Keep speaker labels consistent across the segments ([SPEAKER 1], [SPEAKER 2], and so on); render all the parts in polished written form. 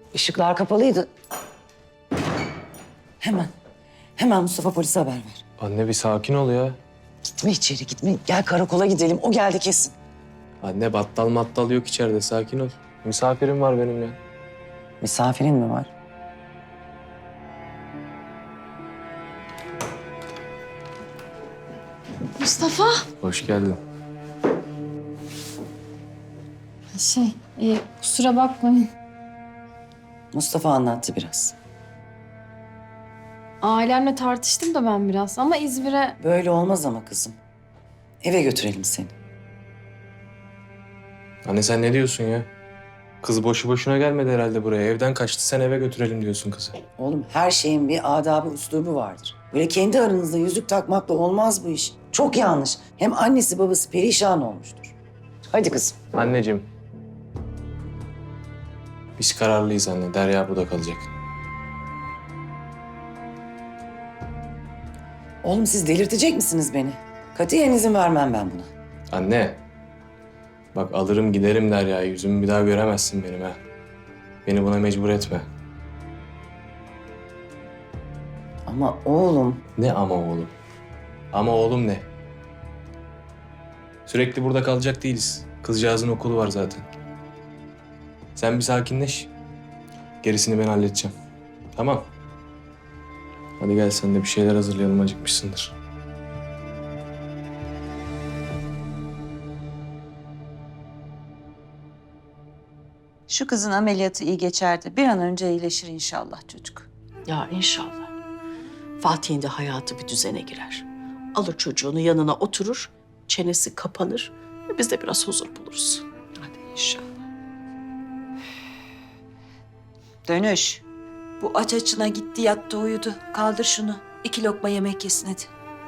[SPEAKER 1] Işıklar kapalıydı. Hemen Mustafa polise haber ver.
[SPEAKER 2] Anne bir sakin ol ya.
[SPEAKER 1] Gitme içeri gitme. Gel karakola gidelim. O geldi kesin.
[SPEAKER 2] Anne battal mattal yok içeride, sakin ol. Misafirim var benim ya.
[SPEAKER 1] Misafirin mi var?
[SPEAKER 3] Mustafa.
[SPEAKER 2] Hoş geldin.
[SPEAKER 3] Kusura bakmayın.
[SPEAKER 1] Mustafa anlattı biraz.
[SPEAKER 3] Ailemle tartıştım da ben biraz ama İzmir'e...
[SPEAKER 1] Böyle olmaz ama kızım. Eve götürelim seni.
[SPEAKER 2] Anne sen ne diyorsun ya? Kız boşu boşuna gelmedi herhalde buraya. Evden kaçtı, sen eve götürelim diyorsun kızı.
[SPEAKER 1] Oğlum her şeyin bir adabı, üslubu vardır. Böyle kendi aranızda yüzük takmakla olmaz bu iş. Çok yanlış. Hem annesi babası perişan olmuştur. Hadi kızım.
[SPEAKER 2] Anneciğim. Biz kararlıyız anne. Derya burada kalacak.
[SPEAKER 1] Oğlum siz delirtecek misiniz beni? Katiyen izin vermem ben buna.
[SPEAKER 2] Anne. Bak alırım giderim Derya'yı. Yüzümü bir daha göremezsin benim ha. Beni buna mecbur etme.
[SPEAKER 1] Ama oğlum...
[SPEAKER 2] Ne ama oğlum? Ama oğlum ne? Sürekli burada kalacak değiliz. Kızcağızın okulu var zaten. Sen bir sakinleş. Gerisini ben halledeceğim. Tamam. Hadi gel sen de bir şeyler hazırlayalım, acıkmışsındır.
[SPEAKER 4] Şu kızın ameliyatı iyi geçerdi. Bir an önce iyileşir inşallah çocuk.
[SPEAKER 5] Ya inşallah. Fatih'in de hayatı bir düzene girer. Alır çocuğunu yanına oturur, çenesi kapanır ve biz de biraz huzur buluruz. Hadi inşallah.
[SPEAKER 4] Dönüş. Bu aç açına gitti yattı uyudu. Kaldır şunu. 2 lokma yemek yesin hadi.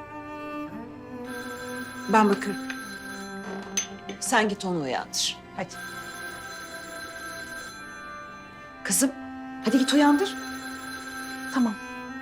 [SPEAKER 4] Ben bakarım. Sen git onu uyandır. Hadi. Kızım hadi git uyandır.
[SPEAKER 5] Tamam.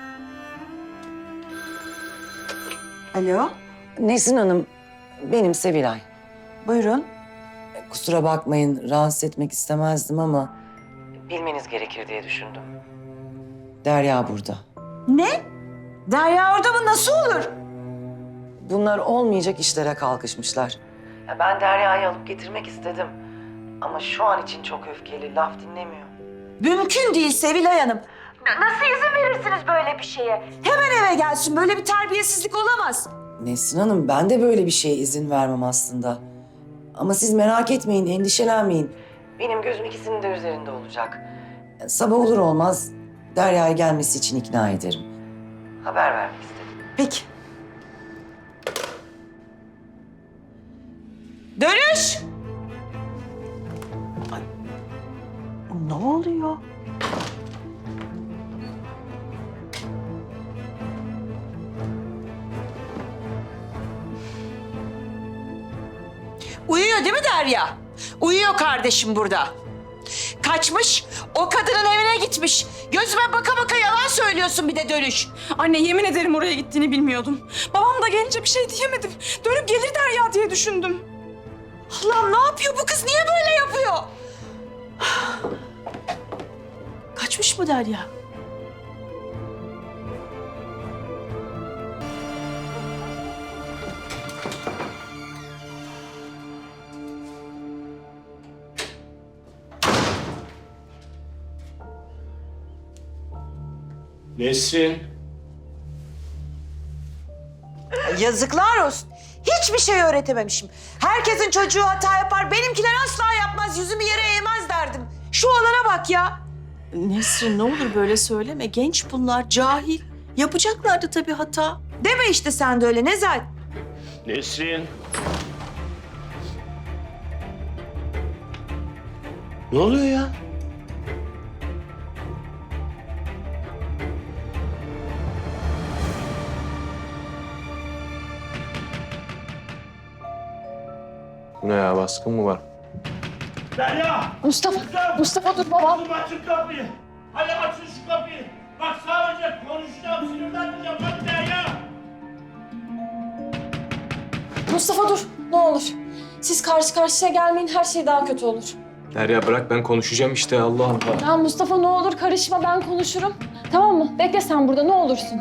[SPEAKER 4] Alo.
[SPEAKER 1] Nesin Hanım, benim Sevilay.
[SPEAKER 4] Buyurun.
[SPEAKER 1] Kusura bakmayın, rahatsız etmek istemezdim ama... Bilmeniz gerekir diye düşündüm. Derya burada.
[SPEAKER 4] Ne? Derya orada mı? Nasıl olur?
[SPEAKER 1] Bunlar olmayacak işlere kalkışmışlar. Ben Derya'yı alıp getirmek istedim. Ama şu an için çok öfkeli, laf dinlemiyor.
[SPEAKER 4] Mümkün değil Sevilay Hanım. Nasıl izin verirsiniz böyle bir şeye? Hemen eve gelsin. Böyle bir terbiyesizlik olamaz.
[SPEAKER 1] Nesin Hanım, ben de böyle bir şeye izin vermem aslında. Ama siz merak etmeyin, endişelenmeyin. Benim gözüm ikisinin de üzerinde olacak. Sabah olur olmaz Derya'ya gelmesi için ikna ederim. Haber vermek istedim.
[SPEAKER 4] Peki. Dönüş! Ay, ne oluyor? Uyuyor değil mi Derya? Uyuyor kardeşim burada. Kaçmış, o kadının evine gitmiş. Gözüme baka baka yalan söylüyorsun bir de Dönüş.
[SPEAKER 6] Anne yemin ederim oraya gittiğini bilmiyordum. Babam da gelince bir şey diyemedim. Dönüp gelir Derya diye düşündüm.
[SPEAKER 4] Allah'ım ne yapıyor bu kız? Niye böyle yapıyor?
[SPEAKER 5] Kaçmış mı Derya?
[SPEAKER 2] Nesrin.
[SPEAKER 4] Yazıklar olsun. Hiçbir şey öğretememişim. Herkesin çocuğu hata yapar. Benimkiler asla yapmaz. Yüzümü yere eğmez derdim. Şu olana bak ya.
[SPEAKER 5] Nesrin ne olur böyle söyleme. Genç bunlar, cahil. Yapacaklardı tabii hata.
[SPEAKER 4] Deme işte sen de öyle Nezahat.
[SPEAKER 7] Nesrin. Ne oluyor ya?
[SPEAKER 2] Bu ne ya, baskın mı var?
[SPEAKER 7] Derya!
[SPEAKER 6] Mustafa dur babam.
[SPEAKER 7] Oğlum açın kapıyı. Hadi açın şu kapıyı. Bak sadece konuşacağım, sinirden diyeceğim. Hadi Derya!
[SPEAKER 6] Mustafa dur ne olur. Siz karşı karşıya gelmeyin her şey daha kötü olur.
[SPEAKER 2] Derya bırak, ben konuşacağım işte, Allah Allah.
[SPEAKER 3] Ya Mustafa ne olur karışma, ben konuşurum. Tamam mı? Bekle sen burada, ne olursun.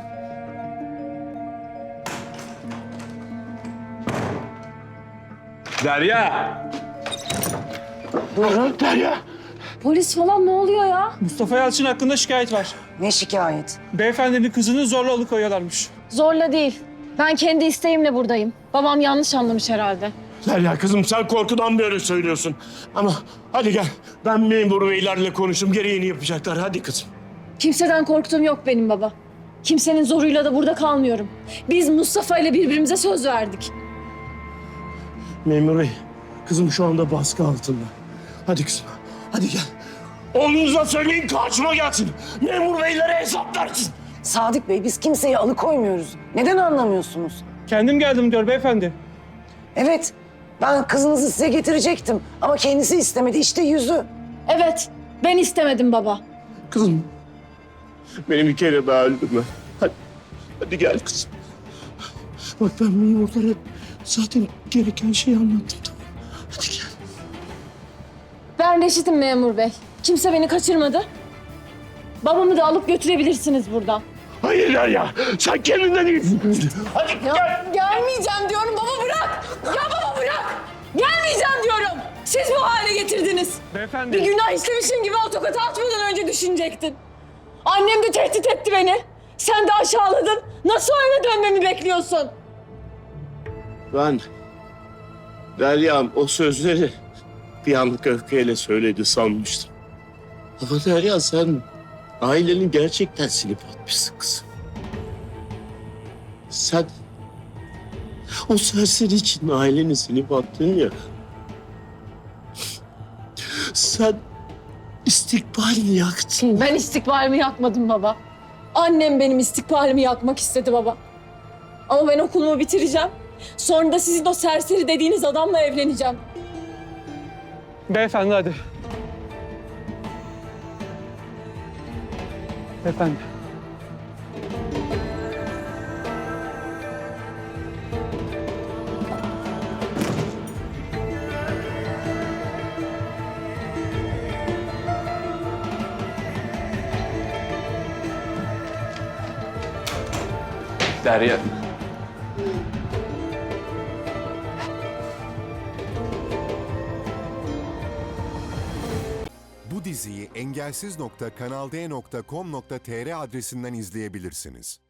[SPEAKER 2] Derya!
[SPEAKER 1] Buyurun.
[SPEAKER 7] Derya.
[SPEAKER 3] Polis falan ne oluyor ya?
[SPEAKER 8] Mustafa Yalçın hakkında şikayet var.
[SPEAKER 1] Ne şikayet?
[SPEAKER 8] Beyefendinin kızını zorla alıkoyuyorlarmış.
[SPEAKER 3] Zorla değil. Ben kendi isteğimle buradayım. Babam yanlış anlamış herhalde.
[SPEAKER 7] Derya kızım sen korkudan böyle söylüyorsun. Ama hadi gel. Ben memur beylerle konuştum. Gereğini yapacaklar. Hadi kızım.
[SPEAKER 3] Kimseden korktuğum yok benim baba. Kimsenin zoruyla da burada kalmıyorum. Biz Mustafa ile birbirimize söz verdik.
[SPEAKER 7] Memur bey, kızım şu anda baskı altında. Hadi kızım, hadi gel. Oğlunuza söyleyin karşıma gelsin. Memur beylere hesap versin.
[SPEAKER 1] Sadık Bey, biz kimseyi alıkoymuyoruz. Neden anlamıyorsunuz?
[SPEAKER 8] Kendim geldim diyor beyefendi.
[SPEAKER 1] Evet, ben kızınızı size getirecektim ama kendisi istemedi. İşte yüzü.
[SPEAKER 3] Evet, ben istemedim baba.
[SPEAKER 7] Kızım, beni bir kere daha öldürme. Hadi gel kızım. Bak ben memurlara zaten gereken şeyi anlattım. Tamam. Hadi gel.
[SPEAKER 3] Ben reşitim memur bey. Kimse beni kaçırmadı. Babamı da alıp götürebilirsiniz buradan.
[SPEAKER 7] Hayır Derya, sen kendinden iyisin. Hadi
[SPEAKER 3] Ya,
[SPEAKER 7] gel.
[SPEAKER 3] gelmeyeceğim diyorum, baba bırak. Ya baba bırak. Gelmeyeceğim diyorum. Siz bu hale getirdiniz.
[SPEAKER 8] Beyefendi.
[SPEAKER 3] Bir günah işlemişim gibi o tokatı atmadan önce düşünecektin. Annem de tehdit etti beni. Sen de aşağıladın. Nasıl o eve dönmemi bekliyorsun?
[SPEAKER 7] Ben, Derya'm o sözleri bir anlık öfkeyle söyledi sanmıştım. Ama Derya sen ailenin gerçekten silip atmışsın kızım. Sen o serseri için aileni silip attın ya. Sen istikbalini yaktın.
[SPEAKER 3] Ben istikbalimi yakmadım baba. Annem benim istikbalimi yakmak istedi baba. Ama ben okulumu bitireceğim. Sonra da sizin o serseri dediğiniz adamla evleneceğim.
[SPEAKER 8] Beyefendi hadi. Beyefendi.
[SPEAKER 2] Derya.
[SPEAKER 9] Bu diziyi engelsiz.kanalde.com.tr adresinden izleyebilirsiniz.